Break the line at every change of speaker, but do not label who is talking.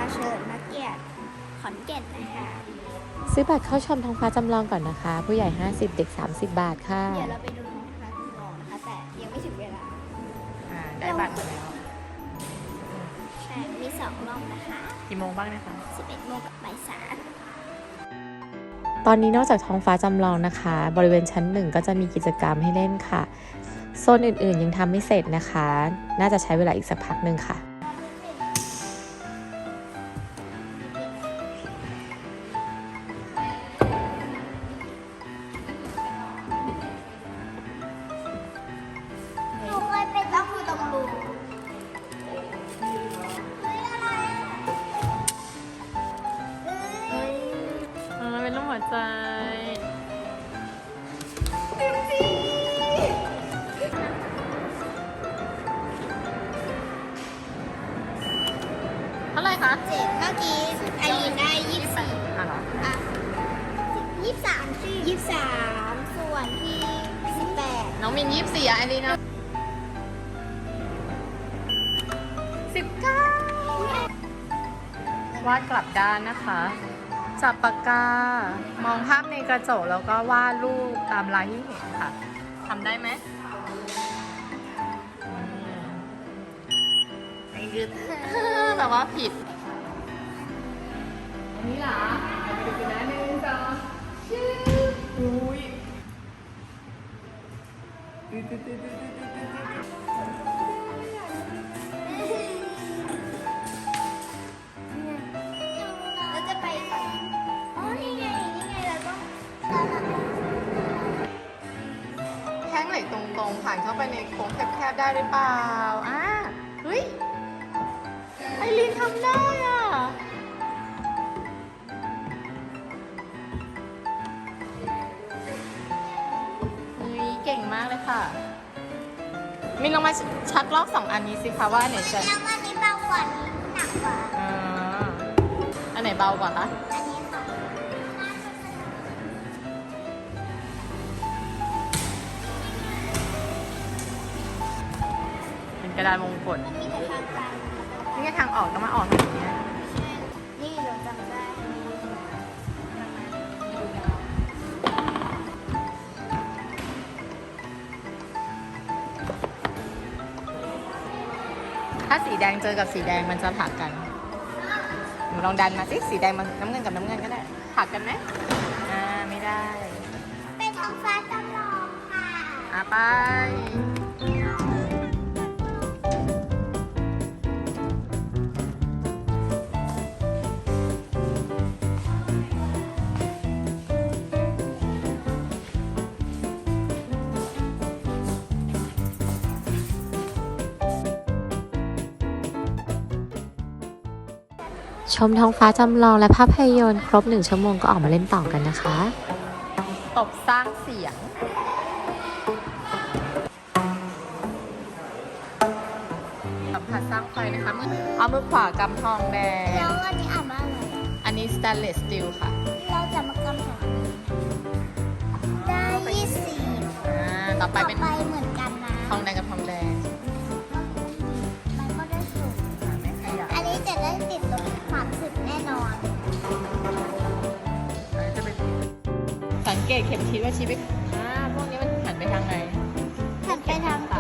เชิญนักเกียรติขอนแก่นนะคะ
ซื้อบัตรเข้าชมท้องฟ้าจำลองก่อนนะคะ ผู้ใหญ่ 50 เด็ก 30 บาทค่ะ
เดี๋ยวเราไปดูท้องฟ้าจำลองนะคะ แต่ยังไม่ถึงเวลา
ได้บัตรมาแล้ว
ใช่ มี2รอบนะคะ
กี่โมงบ้างนะคะ
11 โมงกับบ่าย
ตอนนี้นอกจากท้องฟ้าจำลองนะคะ บริเวณชั้น 1 ก็จะมีกิจกรรมให้เล่นค่ะ โซนอื่นๆยังทำไม่เสร็จนะคะ น่าจะใช้เวลาอีกสักพักหนึ่งค่ะ
3หนูเคยไปต้องดูตรงรูเฮ้ยอะไรเฮ้ย
เป็นรูปหัวใจ เท่าไหร่คะ
เจ็บเมื่อกี้ไอรีนได้24
อ่ะเหรอ
อ่ะ23สิ23 ส่วนที่18
น้องมิน24อ่ะอันนี้นะ19วาดกลับด้านนะคะ จับปากกา มองภาพในกระจกแล้วก็วาดรูปตามลายที่เห็นค่ะ ทำได้ไหมไอ้ยึด แบบว่าผิด อันนี้เหรอไปดูกันนะ1 2ชื่ออุ้ย
เราจะไปฝั่งอ๋อ นี่ไง เราต้อง
แท่งเหล็กตรงๆผ่านเข้าไปในโค้งแคบๆได้หรือเปล่าเฮ้ย ไอรีนทำได้อ่ะเฮ้ยเก่งมากเลยค่ะ มินลองมาชักลอก2 อันนี้สิคะว่าอันไหนจะ
แล้วอันนี้เบากว่านี้หนักกว่า
อันไหนเบากว่าคะ
อันนี้ค่ะ
เป็นกระดานมงกฎ
มันมีแต่ทางการ
นี่ไงทางออกก็มาออกทางนี้
นี่เราจำได้
ถ้าสีแดงเจอกับสีแดงมันจะผลักกันหนูลองดันมาสิสีแดงมันน้ำเงินกับน้ำเงินก็ได้ผลักกันไหมไม่ได้
เป็นท้องฟ้าจำลองค่ะ
ไปชมท้องฟ้าจำลองและภาพยนตร์ครบ1 ชั่วโมงก็ออกมาเล่นต่อกันนะคะ ตบสร้างเสียง สัมผัสสร้างไฟนะคะเอามือขวากำทองแดง
แล้วอันนี้อ่านว่าอะไร
อันนี้ stainless steel ค่ะ
เราจะมากำถามได้20
ต่อไปเป็น
เหมือนกันนะ
ทองแดงกับทองแดง
มันก็ได้สูง
ไม่ขยับ
อันนี้จะได้ติดลบ30แน่นอน
สังเกตเข็มทิศว่าชี้ไปพวกนี้มันหันไปทางไหน
หันไปทาง
ซ้